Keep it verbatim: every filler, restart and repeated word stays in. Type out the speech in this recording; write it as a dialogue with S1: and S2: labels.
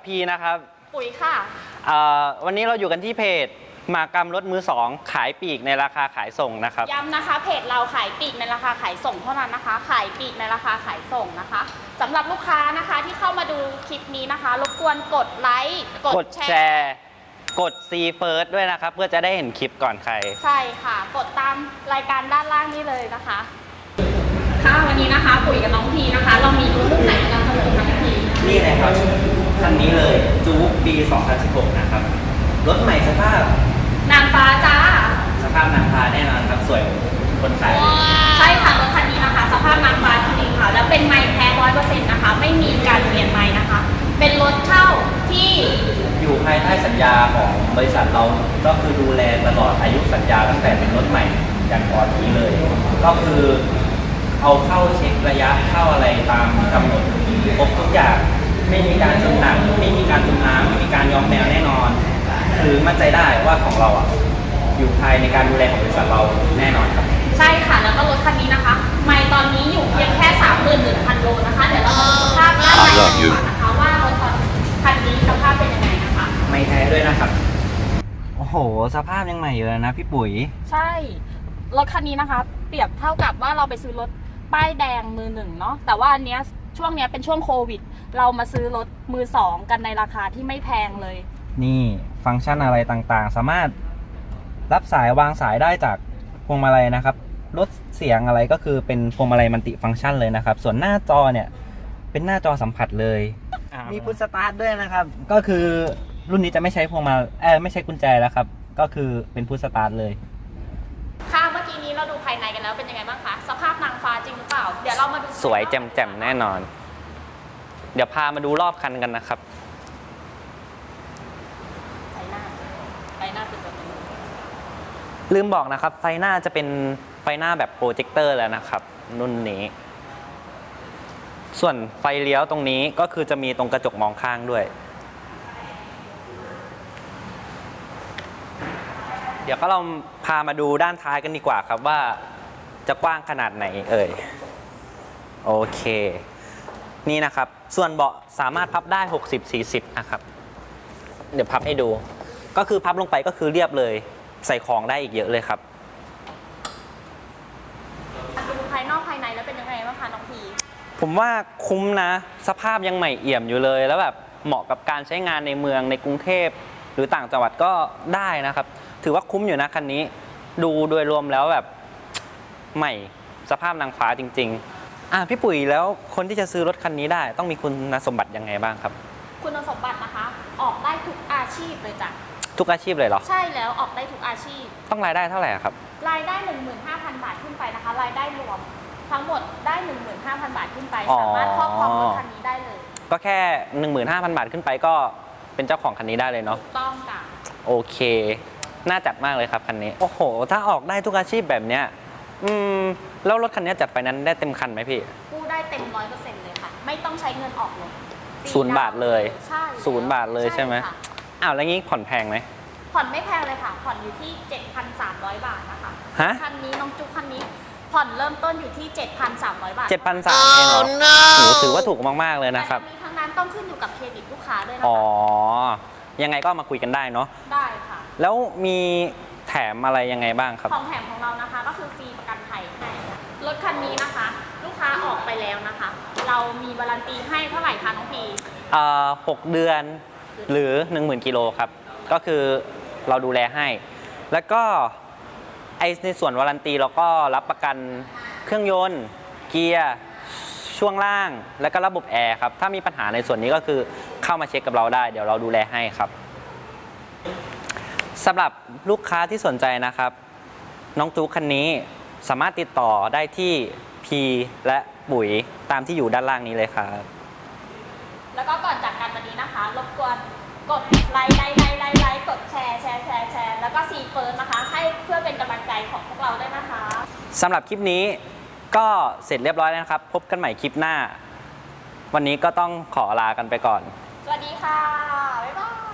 S1: พีนะครับ
S2: ปุ๋ยค่ะ
S1: วันนี้เราอยู่กันที่เพจมากรรมรถมือสองขายปลีกในราคาขายส่งนะครับ
S2: ย้ำนะคะเพจเราขายปลีกในราคาขายส่งเท่านั้นนะคะขายปลีกในราคาขายส่งนะคะสำหรับลูกค้านะคะที่เข้ามาดูคลิปนี้นะคะรบกวนกดไลค์
S1: กดแชร์กด ซี First ด้วยนะครับเพื่อจะได้เห็นคลิปก่อนใคร
S2: ใช่ค่ะกดตามรายการด้านล่างนี้เลยนะคะค่ะวันนี้นะคะปุ๋ยกับน้องพีนะคะเรามีรุ่นไหนนำเสนอคะพี่
S1: นี่เลยครับคันนี้เลยจู๊กปีสองพันสิบหกนะครับรถใหม่สภาพ
S2: นางฟ้าจ้า
S1: สภาพนางฟ้าแน่นอนครับสวยคนขาย
S2: ใช่ค่ะรถคันนี้นะคะสภาพนางฟ้าจริงๆค่ะแล้วเป็นไม้แท้ร้อยเปอร์เซ็นต์นะคะไม่มีการเปลี่ยนไม้นะคะเป็นรถเช่าที่
S1: อยู่ภายใต้สัญญาของบริษัทเราก็คือดูแลตลอดอายุสัญญาตั้งแต่เป็นรถใหม่อย่างก่อนนี้เลยก็คือเอาเข้าเช็คระยะเข้าอะไรตามกำหนดครบทุกอย่างไม่มีการจมหนักไม่มีการจมน้ำไม่มีการยอมแมวแน่นอนคือมั่นใจได้ว่าของเราอ่ะอยู่ภายในการดูแลของบริษัทเราแน่นอนครับ
S2: ใช่ค่ะแล้วก็รถคันนี้นะคะไม่ตอนนี้อยู่เพียงแค่ สามหมื่นหนึ่งพัน โลนะคะเดี๋ยวเรามาดูสภาพด้านในกันก่อนนะคะว่ารถคันนี้สภาพเป็นยังไงนะคะ
S1: ไม่แท้ด้วยนะครับโอ้โหสภาพยังใหม่อยู่เลยนะพี่ปุ๋ย
S2: ใช่รถคันนี้นะคะเปรียบเท่ากับว่าเราไปซื้อรถป้ายแดงมือหนึ่งเนาะแต่ว่าอันเนี้ยช่วงนี้เป็นช่วงโควิดเรามาซื้อรถมือสองกันในราคาที่ไม่แพงเลย
S1: นี่ฟังก์ชันอะไรต่างๆสามารถรับสายวางสายได้จากพวงมาลัยนะครับลดเสียงอะไรก็คือเป็นพวงมาลัยมัลติฟังก์ชันเลยนะครับส่วนหน้าจอเนี่ยเป็นหน้าจอสัมผัสเลยมีพุทสตาร์ทด้วยนะครับก็คือรุ่นนี้จะไม่ใช้พวงมาเออไม่ใช้กุญแจแล้วครับก็คือเป็นพุทสตาร์ทเลย
S2: ค่ะเมื่อกี้นี้เราดูภายในกันแล้วเป็นยังไงบ้างคะสภาพนางฟ้าจริงหรือเปล่าเดี๋ยวเรามาดู
S1: สวยแจ่มๆแน่นอนเดี๋ยวพามาดูรอบคันกันนะครับ
S2: ไฟหน้าไฟหน้าเป็นแบบนี้
S1: ลืมบอกนะครับไฟหน้าจะเป็นไฟหน้าแบบโปรเจคเตอร์แล้วนะครับรุ่นนี้ส่วนไฟเลี้ยวตรงนี้ก็คือจะมีตรงกระจกมองข้างด้วยเดี๋ยวก็เราพามาดูด้านท้ายกันดีกว่าครับว่าจะกว้างขนาดไหนเอ่ยโอเคนี่นะครับส่วนเบาะสามารถพับได้หกสิบ สี่สิบนะครับเดี๋ยวพับให้ดูก็คือพับลงไปก็คือเรียบเลยใส่ของได้อีกเยอะเลยครับ
S2: ดูภายนอกภายในแล้วเป็นยังไงบ้างคะน้องพี
S1: ผมว่าคุ้มนะสภาพยังใหม่เอี่ยมอยู่เลยแล้วแบบเหมาะกับการใช้งานในเมืองในกรุงเทพหรือต่างจังหวัดก็ได้นะครับถือว่าคุ้มอยู่นะคันนี้ดูโดยรวมแล้วแบบใหม่สภาพนางฟ้าจริงๆอ่ะพี่ปุ๋ยแล้วคนที่จะซื้อรถคันนี้ได้ต้องมีคุณสมบัติยังไงบ้างครับ
S2: คุณสมบัตินะคะออกได้ทุกอาชีพเลยจ้ะ
S1: ทุกอาชีพเลยเหรอ
S2: ใช่แล้วออกได้ทุกอาชีพ
S1: ต้องรายได้เท่าไหร่ครับ
S2: รายได้ หนึ่งหมื่นห้าพัน บาทขึ้นไปนะคะรายได้รวมทั้งหมดได้ หนึ่งหมื่นห้าพัน บาทขึ้นไปสามารถครอบครองรถคันนี้ได้เลย
S1: ก็แค่ หนึ่งหมื่นห้าพัน บาทขึ้นไปก็เป็นเจ้าของคันนี้ได้เลยเนาะ
S2: ถูกต้องจ้ะ
S1: โอเคน่าจัดมากเลยครับคันนี้โอ้โหถ้าออกได้ทุกอาชีพแบบเนี้ยอืมแล้วรถคันนี้จัดไฟแนนซ์ได้เต็มคันไหมพี่
S2: กู้ได้เต็ม ร้อยเปอร์เซ็นต์ เลยค่ะไม่ต้องใช้เงินออกเลย
S1: ศูนย์บาทเลย
S2: ใช่
S1: ศูนย์บาทเลยใช่ไหมอ้าวแล้วงี้ผ่อนแพงไหม
S2: ผ่อนไม่แพงเลยค่ะผ่อนอยู่ที่ เจ็ดพันสามร้อย บาทนะคะ
S1: ฮะ
S2: คันนี้น้องจุ๊กคันนี้ผ่อนเริ่มต้นอยู่ที่ เจ็ดพันสามร้อย บาท
S1: เจ็ดพันสามร้อย เองเหรอโอ้ถือว่าถูกมากๆเลยนะครับ
S2: แต่ทั้งนั้นต้องขึ้นอยู่กับเครดิตลูกค้าด้วยนะคะ
S1: อ๋อยังไงก็มาคุยกันได้เนาะ
S2: ได้ค่ะ
S1: แล้วมีแถมอะไรยังไงบ้างครับ
S2: ของแถมของเรานะคะก็คือฟรีประกันภัยให้รถคันนี้นะคะลูกค้าออกไปแล้วนะคะเรามีวารันตีให้เท่าไหร่คะน้องพี
S1: อ่าหกเดือนหรือ หนึ่งหมื่น กิโลครับก็คือเราดูแลให้แล้วก็ไอในส่วนวารันตีเราก็รับประกันเครื่องยนต์เกียร์ช่วงล่างและก็ระบบแอร์ครับถ้ามีปัญหาในส่วนนี้ก็คือเข้ามาเช็คกับเราได้เดี๋ยวเราดูแลให้ครับสำหรับลูกค้าที่สนใจนะครับน้องจู๊กคันนี้สามารถติดต่อได้ที่พีและปุ๋ยตามที่อยู่ด้านล่างนี้เลยครับ
S2: แล้วก็ก่อนจากกันวันนี้นะคะรบกวนกดไลค์ไลค์ไลค์ไลค์ไลค์กดแชร์แชร์แชร์แชร์แล้วก็ซีเฟิร์สนะคะให้เพื่อเป็นกำลังใจของพวกเราด้วยนะคะ
S1: สำหรับคลิปนี้ก็เสร็จเรียบร้อยแล้วนะครับพบกันใหม่คลิปหน้าวันนี้ก็ต้องขอลากันไปก่อน
S2: สวัสดีค่ะบ๊ายบาย